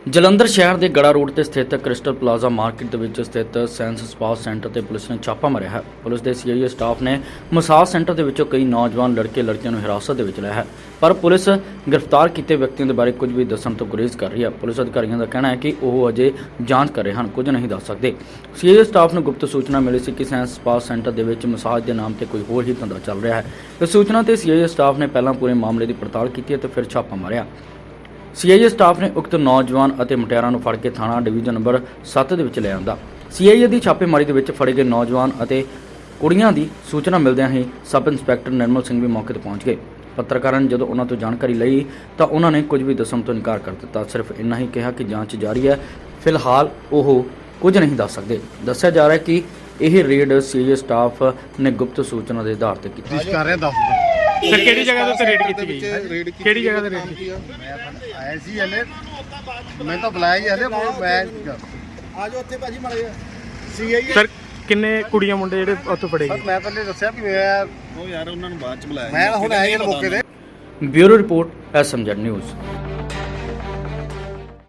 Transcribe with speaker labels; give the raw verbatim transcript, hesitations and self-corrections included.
Speaker 1: ਜਲੰਧਰ ਸ਼ਹਿਰ ਦੇ ਗੜਾ ਰੋਡ ਤੇ ਸਥਿਤ ਕ੍ਰਿਸਟਲ ਪਲਾਜ਼ਾ ਮਾਰਕੀਟ ਦੇ ਵਿੱਚ ਸਥਿਤ ਸੈਂਸ ਸਪਾ ਸੈਂਟਰ ਤੇ ਪੁਲਿਸ ਨੇ ਛਾਪਾ ਮਾਰਿਆ ਹੈ। ਪੁਲਿਸ ਦੇ ਸੀਆਈਏ ਸਟਾਫ ਨੇ ਮਸਾਜ ਸੈਂਟਰ ਦੇ ਵਿੱਚੋਂ ਕਈ ਨੌਜਵਾਨ ਲੜਕੇ ਲੜਕੀਆਂ ਨੂੰ ਹਿਰਾਸਤ ਦੇ ਵਿੱਚ ਲਿਆ ਹੈ, ਪਰ ਪੁਲਿਸ ਗ੍ਰਿਫਤਾਰ ਕੀਤੇ ਵਿਅਕਤੀਆਂ ਦੇ ਬਾਰੇ ਕੁਝ ਵੀ ਦੱਸਣ ਤੋਂ ਗੁਰੇਜ਼ ਕਰ ਰਹੀ ਹੈ। ਪੁਲਿਸ ਅਧਿਕਾਰੀਆਂ ਦਾ ਕਹਿਣਾ ਹੈ ਕਿ ਉਹ ਅਜੇ ਜਾਂਚ ਕਰ ਰਹੇ ਹਨ, ਕੁਝ ਨਹੀਂ ਦੱਸ ਸਕਦੇ। ਸੀਆਈਏ ਸਟਾਫ ਨੂੰ ਗੁਪਤ ਸੂਚਨਾ ਮਿਲੀ ਸੀ ਕਿ ਸੈਂਸ ਸਪਾ ਸੈਂਟਰ ਦੇ ਵਿੱਚ ਮਸਾਜ ਦੇ ਨਾਮ ਤੇ ਕੋਈ ਹੋਰ ਹੀ ਧੰਦਾ ਚੱਲ ਰਿਹਾ ਹੈ। ਇਸ ਸੂਚਨਾ ਤੇ ਸੀਆਈਏ ਸਟਾਫ ਨੇ ਪਹਿਲਾਂ ਪੂਰੇ ਮਾਮਲੇ ਦੀ ਪੜਤਾਲ ਕੀਤੀ ਅਤੇ ਫਿਰ ਛਾਪਾ ਮਾਰਿਆ। ਸੀਆਈਏ ਸਟਾਫ ਨੇ ਉਕਤ ਨੌਜਵਾਨ ਅਤੇ ਮੁਟਿਆਰਾਂ ਨੂੰ ਫੜ ਕੇ ਥਾਣਾ ਡਿਵੀਜ਼ਨ ਨੰਬਰ ਸੱਤ ਦੇ ਵਿੱਚ ਲੈ ਆਂਦਾ। ਸੀਆਈਏ ਦੀ ਛਾਪੇਮਾਰੀ ਦੇ ਵਿੱਚ ਫੜੇ ਗਏ ਨੌਜਵਾਨ ਅਤੇ ਕੁੜੀਆਂ ਦੀ ਸੂਚਨਾ ਮਿਲਦਿਆਂ ਹੀ ਸਬ ਇੰਸਪੈਕਟਰ ਨਿਰਮਲ ਸਿੰਘ ਵੀ ਮੌਕੇ ਤੇ ਪਹੁੰਚ ਗਏ। ਪੱਤਰਕਾਰਾਂ ਨੇ ਜਦੋਂ ਉਹਨਾਂ ਤੋਂ ਜਾਣਕਾਰੀ ਲਈ ਤਾਂ ਉਹਨਾਂ ਨੇ ਕੁਝ ਵੀ ਦੱਸਣ ਤੋਂ ਇਨਕਾਰ ਕਰ ਦਿੱਤਾ। ਸਿਰਫ ਇੰਨਾ ਹੀ ਕਿਹਾ ਕਿ ਜਾਂਚ ਜਾਰੀ ਹੈ, ਫਿਲਹਾਲ ਉਹ ਕੁਝ ਨਹੀਂ ਦੱਸ ਸਕਦੇ। ਦੱਸਿਆ ਜਾ ਰਿਹਾ ਹੈ ਕਿ ਇਹ ਰੇਡ ਸੀਆਈਏ ਸਟਾਫ ਨੇ ਗੁਪਤ ਸੂਚਨਾ ਦੇ ਆਧਾਰ ਤੇ ਕੀਤੀ।
Speaker 2: ਕਰ ਰਿਹਾ ਦੱਸ
Speaker 3: ਸਰ ਕਿਹੜੀ ਜਗ੍ਹਾ ਤੇ ਰੇਡ ਕੀਤੀ ਗਈ?
Speaker 2: ਰੇਡ
Speaker 3: ਕਿਹੜੀ ਜਗ੍ਹਾ ਤੇ ਰੇਡ ਕੀਤੀ?
Speaker 2: ਮੈਂ ਆਇਆ ਸੀ ਹਲੇ, ਮੈਂ ਤਾਂ ਬੁਲਾਇਆ ਹੀ ਹਲੇ, ਮੈਂ ਆ ਜਾਓ ਉੱਥੇ ਭਾਜੀ ਮਾਰੇ ਸੀਆਈਏ।
Speaker 3: ਸਰ ਕਿੰਨੇ ਕੁੜੀਆਂ ਮੁੰਡੇ ਜਿਹੜੇ ਉੱਥੇ ਫੜੇ ਗਏ?
Speaker 2: ਮੈਂ ਪਹਿਲੇ ਦੱਸਿਆ ਵੀ ਮੈਂ ਉਹ ਯਾਰ ਉਹਨਾਂ ਨੂੰ ਬਾਅਦ ਚ ਬੁਲਾਇਆ, ਮੈਂ ਹੁਣ ਆਇਆ ਹੀ ਮੌਕੇ ਤੇ।
Speaker 1: Bureau report SMZ news.